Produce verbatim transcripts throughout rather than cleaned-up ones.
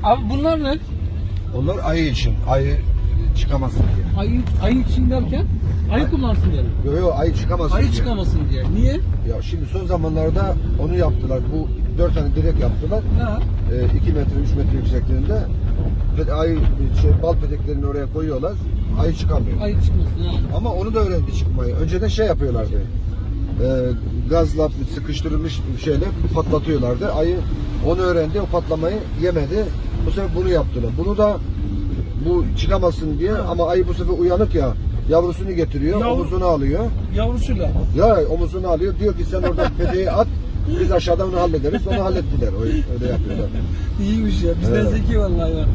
Abi bunlar ne? Onlar ayı için. Ayı çıkamasın diye. Ayı, ayı için derken ayı kullansın diye. Yok yok ayı çıkamasın Ayı diye. çıkamasın diye. Niye? Ya şimdi son zamanlarda onu yaptılar. Bu dört tane direk yaptılar. Ha. E, iki metre, üç metre yüksekliğinde. Ve ayı şey, bal peteklerini oraya koyuyorlar. Ayı çıkamıyor. Ayı çıkmasın ha. Ama onu da öğrendi çıkmayı. Önceden şey yapıyorlardı. E, gazla sıkıştırılmış şeyle patlatıyorlardı. Ayı onu öğrendi. O patlamayı yemedi. Bu sefer bunu yaptılar. Bunu da bu çıkamasın diye ama ayı bu sefer uyanık ya. Yavrusunu getiriyor, Yavru- omuzunu alıyor. Yavrusuyla. Ya omuzunu alıyor. Diyor ki sen orada peteği at. Biz aşağıdan onu hallederiz. Onu hallettiler. Öyle, öyle yapıyorlar. İyiymiş ya. Bizden Evet. zeki vallahi ya.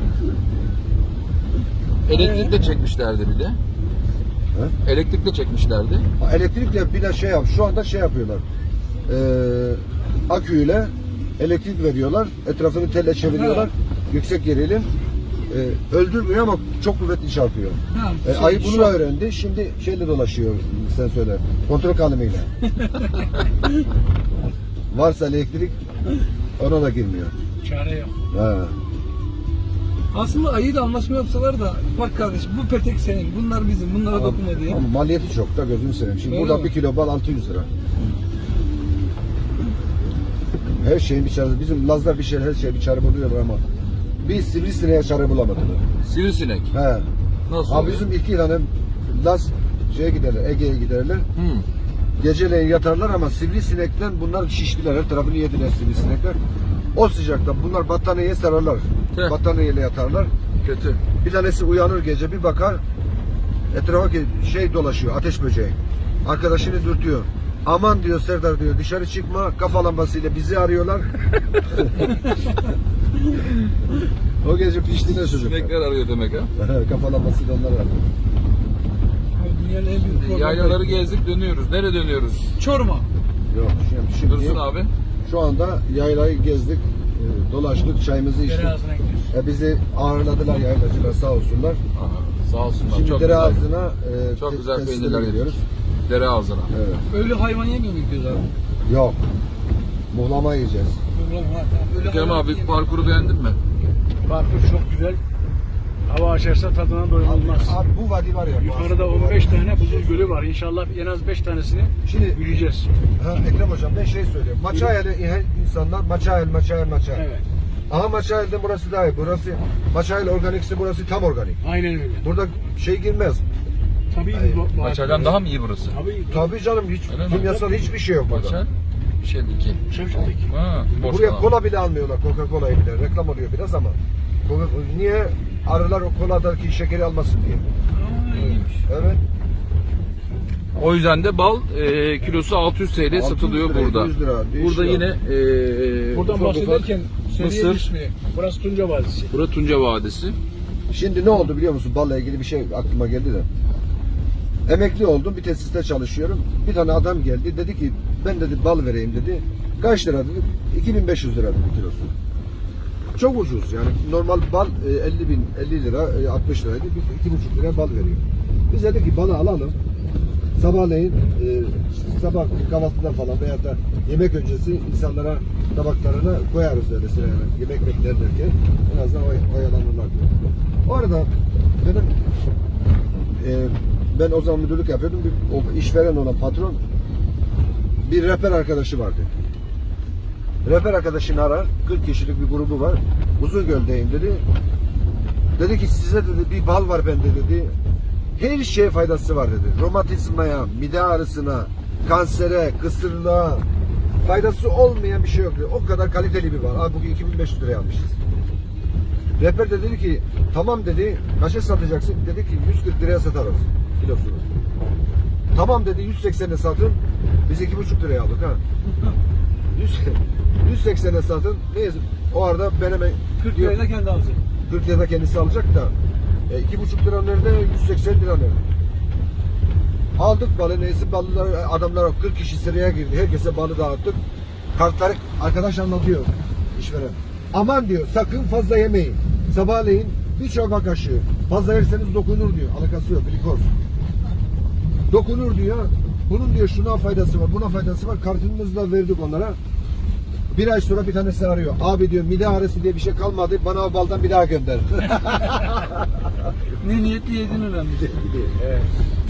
Elektrikle çekmişlerdi bir de. He? Elektrikle çekmişlerdi. Ha, elektrikle bir de şey yap. Şu anda şey yapıyorlar. Ee, aküyle elektrik veriyorlar. Etrafını telle çeviriyorlar. Ha. Yüksek gerilim. Ee, öldürmüyor ama çok kuvvetli çarpıyor. Ha, Ee, şey, ayı bunu şu- da öğrendi. Şimdi şeyle dolaşıyor. Sen söyle. Kontrol kalemiyle. Varsa elektrik ona da girmiyor. Çare yok. Ha. Aslında ayı da anlaşma yapsalar da bak kardeşim bu petek senin, bunlar bizim, bunlara dokunma diye. Ama maliyeti çok da gözünü seveyim. Şimdi Öyle burada mi? bir kilo bal altı yüz lira. Her şeyin bir çaresi. Bizim Lazlar bir şey, her şey bir çare buluyorlar ama bir sivrisineğe çare bulamadılar. Sivrisinek. He. Nasıl Abi oluyor? bizim iki tane Laz şeye giderler, Ege'ye giderler. Hmm. Geceleyin yatarlar ama sivrisinekten bunlar şiştiler. Her tarafını yediler sivrisinekler. O sıcakta bunlar battaniyeye sararlar. Heh. Battaniyeyle yatarlar. Kötü. Bir tanesi uyanır gece bir bakar etrafa ki şey dolaşıyor ateş böceği. Arkadaşını dürtüyor. Aman diyor Serdar diyor dışarı çıkma kafa lambasıyla bizi arıyorlar. O gece piştiğine çocuklar. Sinekler arıyor demek ha. Kafa lambasıyla onlar arıyor. Abi dünyanın en büyük problemi. Yaylaları gezdik dönüyoruz. Nereye dönüyoruz? Çorum'a. Yok şimdi, şimdi Dursun abi. şu anda yaylayı gezdik, e, dolaştık, çayımızı içtik. Dere ağzına gidiyoruz. E, bizi ağırladılar yaylacılar sağ olsunlar. Aha, sağ olsunlar. Şimdi çok dere güzel. ağzına e, Çok te- güzel tesislere peynirler gidiyoruz. yedik. Dere ağzına. Evet. Öyle hayvan yemiyor mu gidiyoruz abi? Yok. Muhlama yiyeceğiz. Ulan var, tamam. Öyle Kerem hayvan abi yemiyor. parkuru beğendin mi? Parkur çok güzel. Hava açarsa tadına doyulmaz. Abi bu vadi var ya. bu Yukarıda aslında bu on beş vadi. tane buzul gölü var. İnşallah en az beş tanesini Şimdi yürüyeceğiz. ha, Ekrem hocam ben şey söyleyeyim. Maçayel'e insanlar Maçayel, Maçayel, Maçayel. Evet. Ama Maçayel'den burası daha iyi. Burası Maçayel organikse burası tam organik. Aynen öyle. Burada şey girmez. Tabii Hayır. bu- bu- Maçay'dan daha mı iyi burası? Tabii. Tabii canım hiç Öyle mi? kimyasal hiçbir şey yok burada. Maçay? Şey iki. Şevşat'taki. Ha, boş Buraya kalan. kola bile almıyorlar. Coca-Cola'yı bile. Reklam oluyor biraz ama. Coca- Niye? Arılar o koladaki şekeri almasın diye. Aa, iyiymiş. Evet. O yüzden de bal e, kilosu altı yüz T L altı yüz satılıyor lira, burada. yüz lira, değişiyor. Burada yine e, Buradan ufak ufak bahsederken seriye mısır. düşmeye. Burası Tunca Vadisi. Burası Tunca Vadisi. Şimdi ne oldu biliyor musun? Balla ilgili bir şey aklıma geldi de. Emekli oldum. Bir tesiste çalışıyorum. Bir tane adam geldi. Dedi ki ben dedi bal vereyim dedi. Kaç lira dedi? iki bin beş yüz lira dedi kilosu. Çok ucuz yani. Normal bal e, elli bin, elli lira, e, altmış liraydı. Biz iki buçuk lira bal veriyor. Biz dedik ki balı alalım. Sabahleyin e, sabah kahvaltıda falan veya da yemek öncesi insanlara tabaklarına koyarız öyle sıraya. Yemek beklerlerken en azından oy- oyalanırlar diye. O arada benim e, ben o zaman müdürlük yapıyordum. Bir, o işveren olan patron bir rehber arkadaşı vardı. Rehber arkadaşını arar. kırk kişilik bir grubu var. Uzungöl'deyim dedi. Dedi ki size dedi bir bal var bende dedi. Her şeye faydası var dedi. Romatizmaya, mide ağrısına, kansere, kısırlığa faydası olmayan bir şey yok dedi. O kadar kaliteli bir bal. Abi bugün iki bin beş yüz liraya almışız. Rehber de dedi ki tamam dedi. Kaça satacaksın? Dedi ki yüz kırk liraya satarız kilosunu. Tamam dedi yüz seksene satın. Biz iki buçuk liraya aldık ha. yüz seksene satın. Neyse o arada ben hemen kırk lirayla kendi alacak. kırk lirada kendisi alacak da e, iki buçuk lira nerede? yüz seksen lira nerede? Aldık balı neyse balılar adamlar kırk kişi sıraya girdi. Herkese balı dağıttık. Kartları arkadaş anlatıyor işveren. Aman diyor sakın fazla yemeyin. Sabahleyin bir çorba kaşığı. Fazla yerseniz dokunur diyor. Alakası yok. Glikoz. Dokunur diyor. Bunun diyor şuna faydası var, buna faydası var. Kartımızla verdik onlara. Bir ay sonra bir tanesi arıyor. Abi diyor mide ağrısı diye bir şey kalmadı. Bana o baldan bir daha gönder. Ne niyetli yedin önemli. Evet.